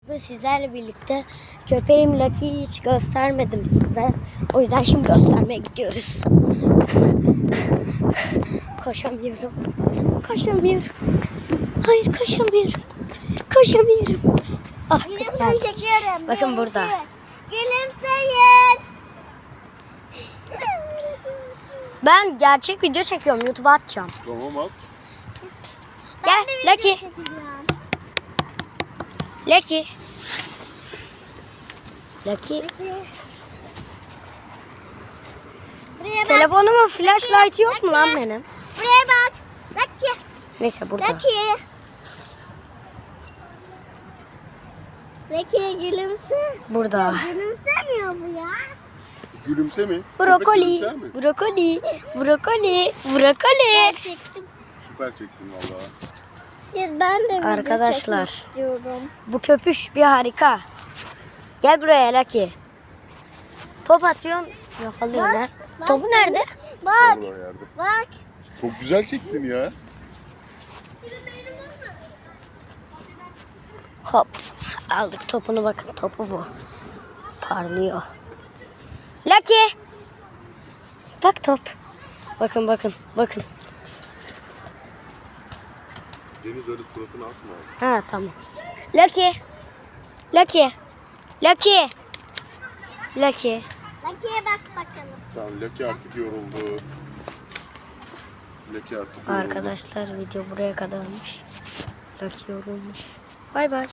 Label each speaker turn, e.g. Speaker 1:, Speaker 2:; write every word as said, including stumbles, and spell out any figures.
Speaker 1: Bugün sizlerle birlikte köpeğim Lucky'yi hiç göstermedim size. O yüzden şimdi göstermeye gidiyoruz. Koşamıyorum. Koşamıyorum. Hayır koşamıyorum. Koşamıyorum. Ah,
Speaker 2: Videosunu çekiyorum.
Speaker 1: bakın burada.
Speaker 2: Gülümseyin.
Speaker 1: Ben gerçek video çekiyorum. YouTube'a atacağım.
Speaker 3: Tamam at.
Speaker 1: Gel Lucky. Lucky. Lucky.
Speaker 2: Buraya bak.
Speaker 1: Telefonumun flashlight yok mu lan benim?
Speaker 2: Buraya bak. Lucky.
Speaker 1: Neyse burada.
Speaker 2: Lucky. Lucky gülümse.
Speaker 1: Burada.
Speaker 2: Gülümsemiyor bu ya.
Speaker 3: Gülümse mi?
Speaker 1: Brokoli.
Speaker 3: Köpek gülümser mi?
Speaker 1: Brokoli. Brokoli. Brokoli.
Speaker 2: Çektim.
Speaker 3: Süper çektin valla.
Speaker 2: Ben de video
Speaker 1: Arkadaşlar.
Speaker 2: çekmek istiyorum.
Speaker 1: Bu köpüş bir harika. Gel buraya Lucky. Top atıyorsun. Yakalıyorlar.
Speaker 2: bak.
Speaker 1: Topu nerede?
Speaker 2: Bak.
Speaker 3: Orada yerde.
Speaker 2: Bak.
Speaker 3: Çok güzel çektin ya.
Speaker 1: Hop. Aldık topunu, bakın topu bu. Parlıyor. Lucky. Bak top. Bakın bakın bakın.
Speaker 3: Deniz öyle suratını atma.
Speaker 1: Ha tamam. Lucky. Lucky. Lucky. Lucky.
Speaker 2: Lucky'ye bak bakalım.
Speaker 3: Tamam Lucky artık yoruldu. Lucky artık yoruldu.
Speaker 1: Arkadaşlar video buraya kadarmış. Lucky yorulmuş. Bay bay.